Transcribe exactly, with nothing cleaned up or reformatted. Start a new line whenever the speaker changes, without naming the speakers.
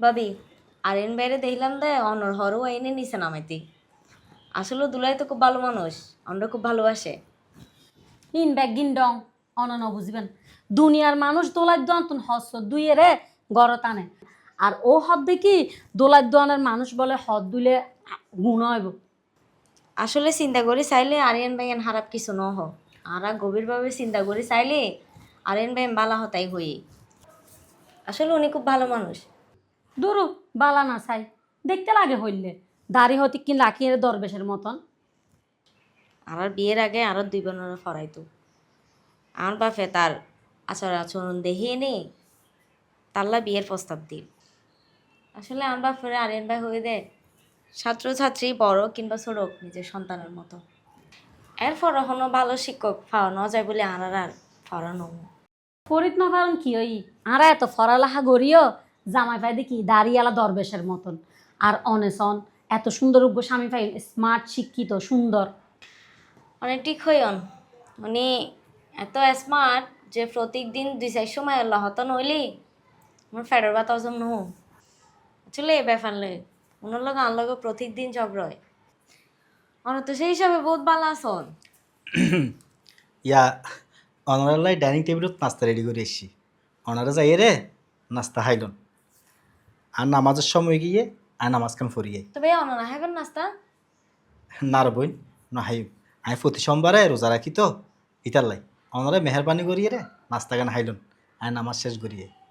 ভাবি আরেন বাইরে দেখলাম দে অনর হরও এনে নিছে নামাইতি। আসলে দুলাই তো খুব ভালো মানুষ, আমরা খুব ভালোবাসে।
ইন ব্যাগ গিন ডং অনন বুঝবেন দুনিয়ার মানুষ দোলাই দন্তন হস দুইয়েরে গড় টানে আর ও হদ দেখি দোলাই দোয়ানের মানুষ বলে হদ দুলে গুণ হইব।
আসলে চিন্তা করি চাইলে আরিয়ান ভাইয়ান খারাপ কিছু ন হ, আরা গভীরভাবে চিন্তা করি চাইলে আরিয়ান ভাই বালা হতাই হই। আসলে উনি খুব ভালো মানুষ।
দূরু বালা না চাই দেখতে লাগে হইলে দাড়ি হতে কিন রাখি দরবেশের মতন।
আমার বিয়ের আগে আরো দুই বোনের ফরাইতো, আমার বাপে তার আচরণ আচরণ দেখিয়ে নে তাল্লা বিয়ের প্রস্তাব দিই। আসলে আমার বাপরে আরিয়ান ভাই হয়ে দেয় ছাত্রছাত্রী বড় কিংবা ছোট হোক নিজের সন্তানের মতো। এরপর এখনো ভালো শিক্ষক পাওয়ানো যায় বলে আনার আর ফরানো।
ফরিদ না পারেন কি ওই আরা এত ফরালাহা গড়িও জামাই পাই দেখি দাড়িয়ালা দরবেশের মতন আর অনেসন এত সুন্দর উগ্র স্বামী পাই স্মার্ট শিক্ষিত সুন্দর।
মানে ঠিক হইন উনি এত স্মার্ট যে প্রত্যেক দিন দুই চার সময় আল্লাহ হত নইলি আমার ফেডার বাতা অজম নহ। আসলে এ ব্যাপার লে ওনার লোক আন লোক প্রত্যেক দিন ঝগড়া হয়। অন তো সেই হিসাবে বহুত ভালো আসন।
ইয়া অনারালাই ডাইনিং টেবিলত নাস্তা রেডি করে এসছি, অনারা যাই রে নাস্তা খাইলন আর নামাজের সময় গিয়ে আর নামাজখান ফরিয়ে
তবে অনারা হ্যাঁ নাস্তা
নার বইন না হাইম আমি প্রতি সোমবারে রোজা রাখি তো ইতার লাই অনারা মেহরবানি করিয়ে রে নাস্তা গান হাইলন আর নামাজ শেষ করিয়ে।